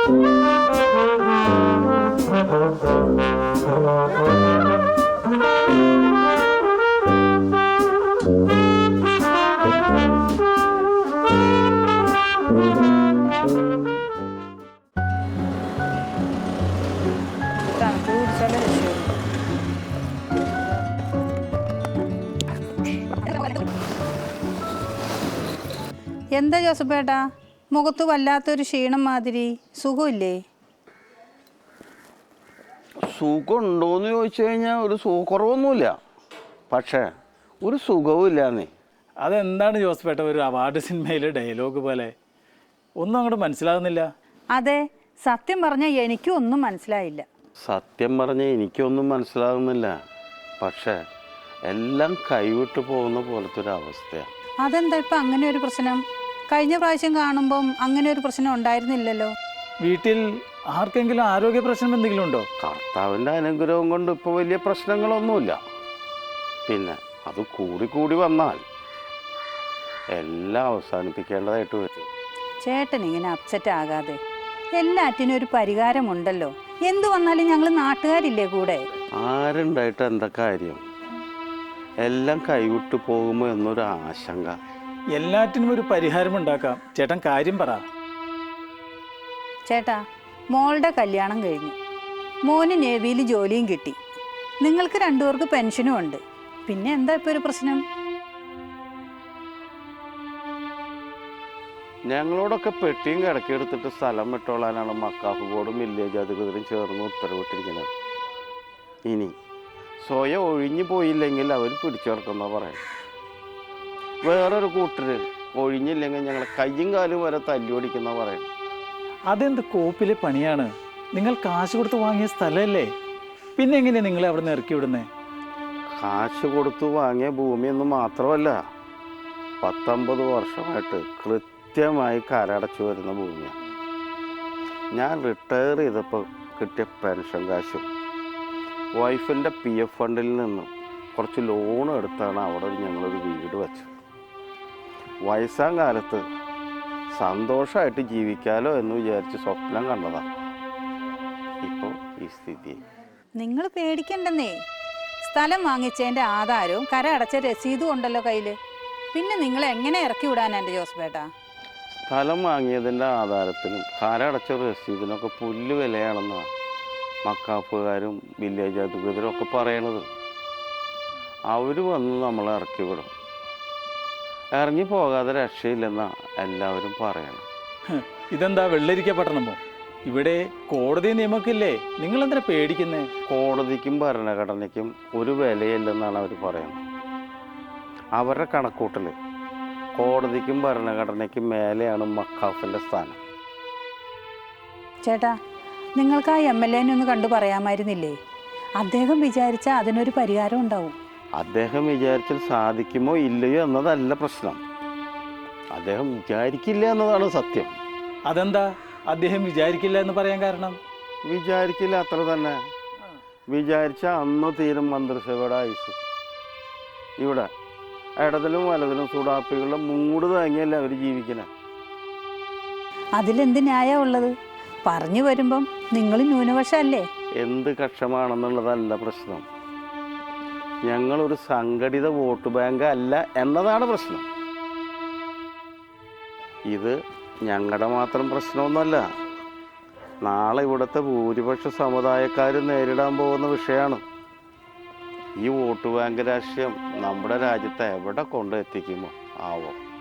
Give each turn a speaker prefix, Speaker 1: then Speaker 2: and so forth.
Speaker 1: എന്താ ജോസഫേട്ടാ, മുഖത്ത് വല്ലാത്തൊരു ക്ഷീണം മാതിരി, സുഖമില്ലേ?
Speaker 2: സുഖമുണ്ടോയെന്ന് ചോദിച്ചു കഴിഞ്ഞാൽ ഒരു സുഖക്കുറവൊന്നുമില്ല, പക്ഷേ ഒരു സുഖവും ഇല്ലാന്നേ.
Speaker 3: അതെന്താണ് ജോസഫേട്ട ഒരു അവാർഡ് സിനിമയിലെ ഡയലോഗ് പോലെ? ഒന്നും അങ്ങോട്ട് മനസ്സിലാകുന്നില്ല.
Speaker 1: അതെ, സത്യം പറഞ്ഞാൽ എനിക്കും ഒന്നും മനസ്സിലായില്ല.
Speaker 2: സത്യം പറഞ്ഞാൽ എനിക്കൊന്നും മനസ്സിലാകുന്നില്ല, പക്ഷേ എല്ലാം കൈവിട്ട് പോകുന്ന പോലത്തെ ഒരു അവസ്ഥയാണ്.
Speaker 1: അതെന്താ ഇപ്പം അങ്ങനെ ഒരു പ്രശ്നം? കഴിഞ്ഞ പ്രാവശ്യം കാണുമ്പം അങ്ങനെ ഒരു പ്രശ്നം ഉണ്ടായിരുന്നില്ലല്ലോ.
Speaker 3: വീട്ടിൽ ആർക്കെങ്കിലും ആരോഗ്യ പ്രശ്നം എന്തെങ്കിലും ഉണ്ടോ?
Speaker 2: കർത്താവിൻ്റെ അനുഗ്രഹം കൊണ്ട് ഇപ്പോൾ വലിയ പ്രശ്നങ്ങളൊന്നുമില്ല. പിന്നെ അത് കൂടി വന്നാൽ എല്ലാം അവസാനിപ്പിക്കേണ്ടതായിട്ട് വരും.
Speaker 1: ചേട്ടൻ ഇങ്ങനെ അപ്സെറ്റ് ആകാതെ, എല്ലാറ്റിനും ഒരു പരിഹാരമുണ്ടല്ലോ. എന്തു വന്നാലും ഞങ്ങൾ നാട്ടുകാരില്ലേ കൂടെ?
Speaker 2: ആരുണ്ടായിട്ട് എന്താ കാര്യം? എല്ലാം കൈവിട്ട് പോകുമോ എന്നൊരു ആശങ്ക.
Speaker 3: എല്ലാറ്റിനും ഒരു പരിഹാരം ഉണ്ടാക്കാം. ചേട്ടൻ കാര്യം പറ.
Speaker 1: ചേട്ടാ, മോളുടെ കല്യാണം കഴിഞ്ഞു, മോന് നേവിയിൽ ജോലിയും കിട്ടി, നിങ്ങൾക്ക് രണ്ടുപേർക്ക് പെൻഷനും ഉണ്ട്. പിന്നെ എന്താ ഇപ്പോൾ ഒരു പ്രശ്നം?
Speaker 2: ഞങ്ങളോടൊക്കെ പെട്ടിയും കിടക്കിയെടുത്തിട്ട് സ്ഥലം വിട്ടോളാനാണ് മക്കാഫ് ബോർഡും വില്ലേജ് അധികൃതരും ചേർന്ന് ഉത്തരവിട്ടിരിക്കുന്നത്. ഇനി സ്വയം ഒഴിഞ്ഞു പോയില്ലെങ്കിൽ അവർ പിടിച്ചേർക്കുന്ന പറയാം. വേറൊരു കൂട്ടര് ഒഴിഞ്ഞില്ലെങ്കിൽ ഞങ്ങൾ കയ്യും കാലും വരെ തല്ലുപിടിക്കുന്ന പറയും.
Speaker 3: അതെന്ത് കോപ്പിലെ പണിയാണ്? നിങ്ങൾ കാശ് കൊടുത്ത് വാങ്ങിയ സ്ഥലമല്ലേ? പിന്നെ എങ്ങനെയാണ് നിങ്ങളെ അവിടെ നിന്ന് ഇറക്കി വിടുന്നേ?
Speaker 2: കാശ് കൊടുത്തു വാങ്ങിയ ഭൂമിയൊന്നും മാത്രമല്ല, 19 വർഷമായിട്ട് കൃത്യമായി കരടച്ചു വരുന്ന ഭൂമിയാണ്. ഞാൻ റിട്ടയർ ചെയ്തപ്പോൾ കിട്ടിയ പെൻഷൻ കാശും വൈഫിൻ്റെ PF ഫണ്ടിൽ നിന്നും കുറച്ച് ലോൺ എടുത്താണ് അവിടെ ഞങ്ങളൊരു വീട് വെച്ചത്. വയസ്സാം കാലത്ത് സന്തോഷമായിട്ട് ജീവിക്കാലോ എന്ന് വിചാരിച്ച് സ്വപ്നം കണ്ടതാണ്. ഇപ്പോൾ ഈ സ്ഥിതി.
Speaker 1: നിങ്ങൾ പേടിക്കണ്ടെന്നേ, സ്ഥലം വാങ്ങിച്ചതിൻ്റെ ആധാരവും കര അടച്ച രസീതും ഉണ്ടല്ലോ കയ്യിൽ. പിന്നെ നിങ്ങൾ എങ്ങനെ ഇറക്കി വിടാനാ എൻ്റെ ജോസഫേട്ടാ?
Speaker 2: സ്ഥലം വാങ്ങിയതിൻ്റെ ആധാരത്തിനും കരടച്ച രസീതിനൊക്കെ പുല്ല് വിലയാണെന്നാണ് മക്കാഫുകാരും വില്ലേജ് അധികൃതരും ഒക്കെ പറയണത്. അവർ വന്ന് നമ്മളെ ഇറക്കി വിടും. ഇറങ്ങി പോകാതെ രക്ഷയില്ലെന്നാണ് എല്ലാവരും പറയണം.
Speaker 3: ഇതെന്താ വെള്ളരിക്ക പട്ടണമോ? ഇവിടെ കോടതി നിയമക്കില്ലേ? നിങ്ങൾ എന്തിനാ പേടിക്കുന്നേ?
Speaker 2: കോടതിക്കും ഭരണഘടനയ്ക്കും ഒരു വിലയില്ലെന്നാണ് അവർ പറയുന്നത്. അവരുടെ കണക്കൂട്ടൽ കോടതിക്കും ഭരണഘടനയ്ക്കും മേലെയാണ് മക്കാഫിൻ്റെ സ്ഥാനം.
Speaker 1: ചേട്ടാ, നിങ്ങൾക്ക് ആ MLA ഒന്ന് കണ്ടു പറയാമായിരുന്നില്ലേ? അദ്ദേഹം വിചാരിച്ചാൽ അതിനൊരു പരിഹാരം ഉണ്ടാവും.
Speaker 2: അദ്ദേഹം വിചാരിച്ചാൽ സാധിക്കുമോ ഇല്ലയോ എന്നതല്ല പ്രശ്നം, അദ്ദേഹം വിചാരിക്കില്ല എന്നതാണ് സത്യം.
Speaker 3: അതെന്താ അദ്ദേഹം വിചാരിക്കില്ല എന്ന് പറയാൻ കാരണം?
Speaker 2: വിചാരിക്കില്ല, അത്ര തന്നെ. വിചാരിച്ച അന്ന് തീരും മന്ത്രിസഭയുടെ ആയുസ്. ഇവിടെ ഇടതിലും വലതിലും സുഡാപ്പികളുടെ മൂട് താങ്ങിയല്ലേ അവർ ജീവിക്കണേ.
Speaker 1: അതിലെന്ത് ന്യായം ഉള്ളത്? പറഞ്ഞു വരുമ്പം നിങ്ങൾ ന്യൂനപക്ഷമല്ലേ?
Speaker 2: എന്ത് കക്ഷമാണെന്നുള്ളതല്ല പ്രശ്നം, ഞങ്ങളൊരു സംഘടിത വോട്ട് ബാങ്ക് അല്ല എന്നതാണ് പ്രശ്നം. ഇത് ഞങ്ങളുടെ മാത്രം പ്രശ്നമൊന്നുമല്ല, നാളെ ഇവിടുത്തെ ഭൂരിപക്ഷ സമുദായക്കാർ നേരിടാൻ പോകുന്ന വിഷയമാണ്. ഈ വോട്ട് ബാങ്ക് രാഷ്ട്രീയം നമ്മുടെ രാജ്യത്തെ എവിടെ കൊണ്ടെത്തിക്കുമോ ആവോ.